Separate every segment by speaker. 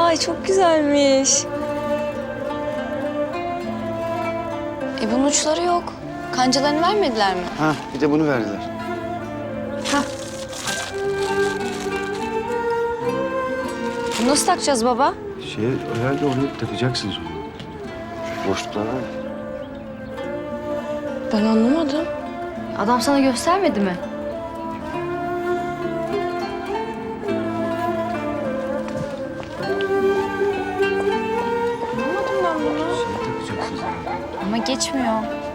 Speaker 1: Vay çok güzelmiş. Bunun uçları yok. Kancalarını vermediler mi?
Speaker 2: Ha, bir de bunu verdiler.
Speaker 1: Bunu nasıl takacağız baba?
Speaker 2: Herhalde oraya takacaksınız onu. Şu boşluklar var ya.
Speaker 1: Ben anlamadım.
Speaker 3: Adam sana göstermedi mi?
Speaker 1: Anlamadım ben bunu.
Speaker 2: Takacaksınız herhalde.
Speaker 3: Ama geçmiyor.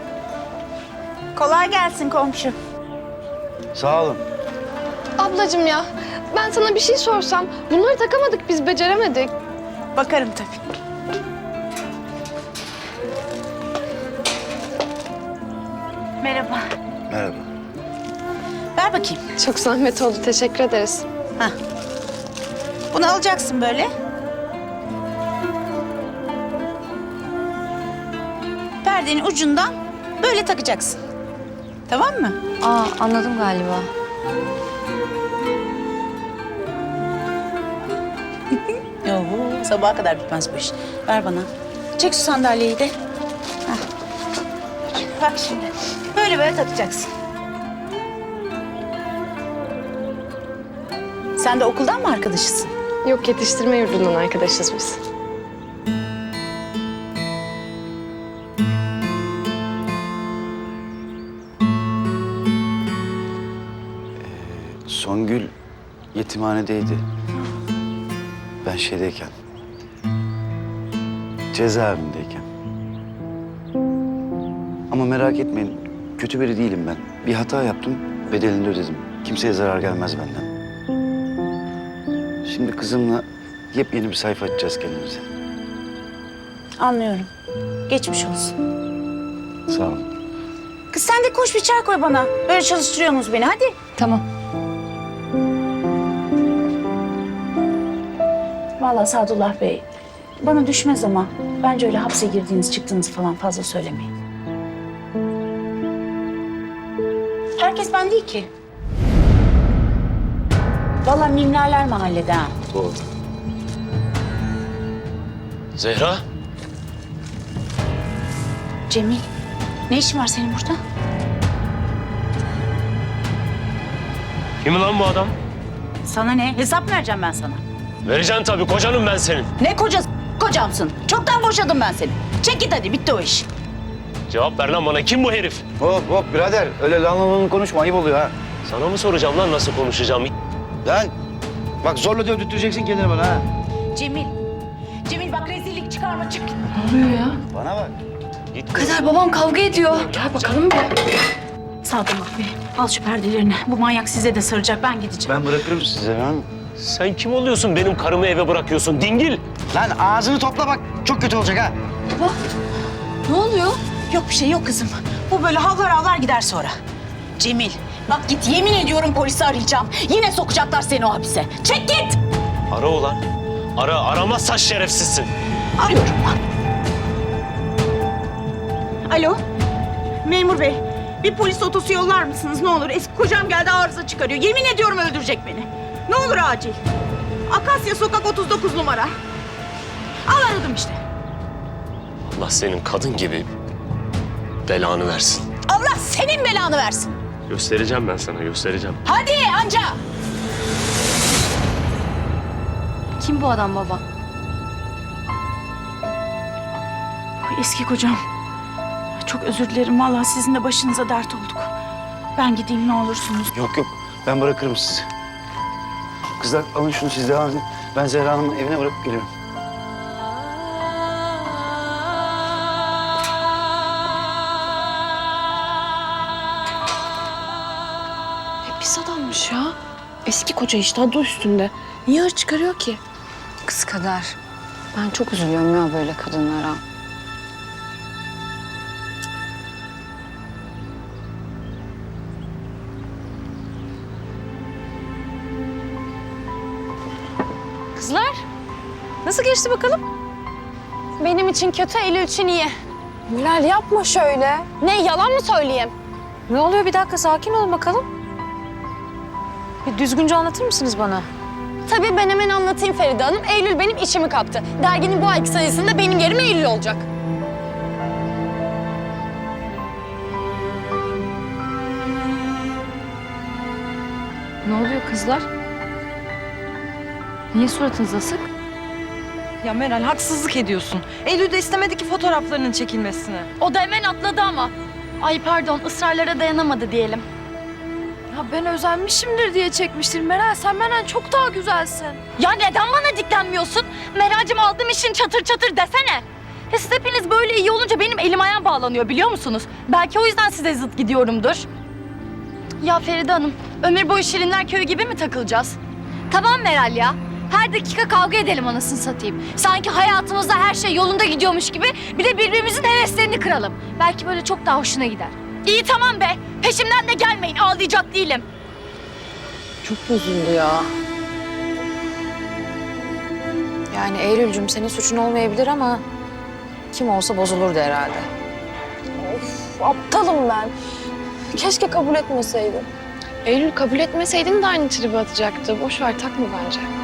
Speaker 4: Kolay gelsin komşu.
Speaker 2: Sağ olun.
Speaker 5: Ablacığım ya, ben sana bir şey sorsam, bunları takamadık biz, beceremedik.
Speaker 4: Bakarım tabii. Merhaba.
Speaker 2: Merhaba.
Speaker 4: Ver bakayım.
Speaker 5: Çok zahmet oldu, teşekkür ederiz.
Speaker 4: Hah. Bunu alacaksın böyle. Perdenin ucundan böyle takacaksın. Tamam mı?
Speaker 3: Aa, anladım galiba.
Speaker 4: Oho, sabaha kadar bitmez bu iş. Ver bana. Çek şu sandalyeyi de. Hah. Bak şimdi. Böyle takacaksın. Sen de okuldan mı arkadaşısın?
Speaker 5: Yok, yetiştirme yurdundan arkadaşız biz.
Speaker 2: Songül yetimhanedeydi. Ben şeydeyken. Cezaevindeyken. Ama merak etmeyin. Kötü biri değilim ben. Bir hata yaptım. Bedelini ödedim. Kimseye zarar gelmez benden. Şimdi kızımla yepyeni bir sayfa açacağız kendimize.
Speaker 4: Anlıyorum. Geçmiş olsun.
Speaker 2: Sağ olun.
Speaker 4: Kız sen de koş bir çay koy bana. Böyle çalıştırıyorsunuz beni hadi.
Speaker 3: Tamam.
Speaker 4: Vallahi Sadullah Bey, bana düşmez ama bence öyle hapse girdiğiniz, çıktığınız falan fazla söylemeyin. Herkes ben değil ki. Vallahi mimlerler mahallede ha.
Speaker 2: Doğru.
Speaker 6: Zehra,
Speaker 4: Cemil, ne işin var senin burada?
Speaker 6: kim lan bu adam?
Speaker 4: Sana ne? Hesap vereceğim ben sana.
Speaker 6: Vereceksin tabii, kocanım ben senin.
Speaker 4: Ne kocası? Kocamsın. Çoktan boşadım ben seni. Çek git hadi, bitti o iş.
Speaker 6: Cevap ver lan bana, kim bu herif?
Speaker 2: Hop hop birader. Öyle lan konuşma. Ayıp oluyor ha.
Speaker 6: Sana mı soracağım lan nasıl konuşacağım?
Speaker 2: Lan bak zorla dövdürteceksin kendini bana ha.
Speaker 4: Cemil, Cemil bak rezillik çıkarma, çık.
Speaker 2: Bana bak.
Speaker 6: Git.
Speaker 3: Kader, babam kavga ediyor.
Speaker 5: Gel bakalım bir.
Speaker 4: Sadullah Bey, al şu perdelerini. Bu manyak size de saracak, ben gideceğim.
Speaker 2: Ben bırakırım size lan.
Speaker 6: Sen kim oluyorsun, benim karımı eve bırakıyorsun, dingil?
Speaker 2: Lan ağzını topla bak. Çok kötü olacak ha.
Speaker 3: Ne oluyor?
Speaker 4: Yok bir şey yok kızım. Bu böyle havlar havlar gider sonra. Cemil, bak git yemin ediyorum polisi arayacağım. Yine sokacaklar seni o hapise. Çek git!
Speaker 6: Ara ulan. Ara, aramazsan şerefsizsin.
Speaker 4: Arıyorum lan. Alo, memur bey. Bir polis otosu yollar mısınız ne olur? Eski kocam geldi arıza çıkarıyor. Yemin ediyorum öldürecek beni. Ne olur acil. Akasya Sokak 39 numara. Al aradım işte.
Speaker 6: Allah senin kadın gibi belanı versin.
Speaker 4: Allah senin belanı versin.
Speaker 6: Göstereceğim ben sana, göstereceğim.
Speaker 4: Hadi anca.
Speaker 3: Kim bu adam baba?
Speaker 4: Ay, eski kocam. Çok özür dilerim. Vallahi sizin de başınıza dert olduk. Ben gideyim ne olursunuz.
Speaker 2: Yok yok. Ben bırakırım sizi. Kızlar alın şunu siz devam edin. Ben Zehra Hanım'ın evine bırakıp geliyorum.
Speaker 5: Pis adammış ya. Eski koca işte, adı üstünde. Niye hır çıkarıyor ki?
Speaker 1: Kız Kader. Ben çok üzülüyorum ya böyle kadınlara.
Speaker 5: Kızlar, nasıl geçti bakalım? Benim için kötü, Eylül için iyi. Mülal yapma şöyle. Ne, yalan mı söyleyeyim?
Speaker 1: Ne oluyor bir dakika sakin olun bakalım. Bir düzgünce anlatır mısınız bana?
Speaker 5: Tabii ben hemen anlatayım Feride Hanım. Eylül benim işimi kaptı. Derginin bu ayki sayısında benim yerime Eylül olacak.
Speaker 3: Ne oluyor kızlar? Niye suratınız asık?
Speaker 7: Ya Meral haksızlık ediyorsun. Eylül de istemedi ki fotoğraflarının çekilmesini.
Speaker 5: O da hemen atladı ama. Ay pardon, ısrarlara dayanamadı diyelim.
Speaker 8: Ya ben özenmişimdir diye çekmiştir. Meral sen benden çok daha güzelsin.
Speaker 5: Ya neden bana diklenmiyorsun? Meral'cim aldığım işin çatır çatır desene. Ya siz hepiniz böyle iyi olunca benim elim ayağım bağlanıyor biliyor musunuz? Belki o yüzden size zıt gidiyorumdur. Ya Feride Hanım, ömür boyu Şirinler Köyü gibi mi takılacağız?
Speaker 3: Tamam Meral ya. Her dakika kavga edelim anasını satayım. Sanki hayatımızda her şey yolunda gidiyormuş gibi bir de birbirimizin heveslerini kıralım. Belki böyle çok daha hoşuna gider.
Speaker 5: İyi tamam be, peşimden de gelmeyin, ağlayacak değilim.
Speaker 1: Çok bozuldu ya. Yani Eylül'cüm senin suçun olmayabilir ama kim olsa bozulurdu herhalde.
Speaker 8: Aptalım ben. Keşke kabul etmeseydim.
Speaker 9: Eylül kabul etmeseydin de aynı tribe atacaktı. Boş ver takma bence.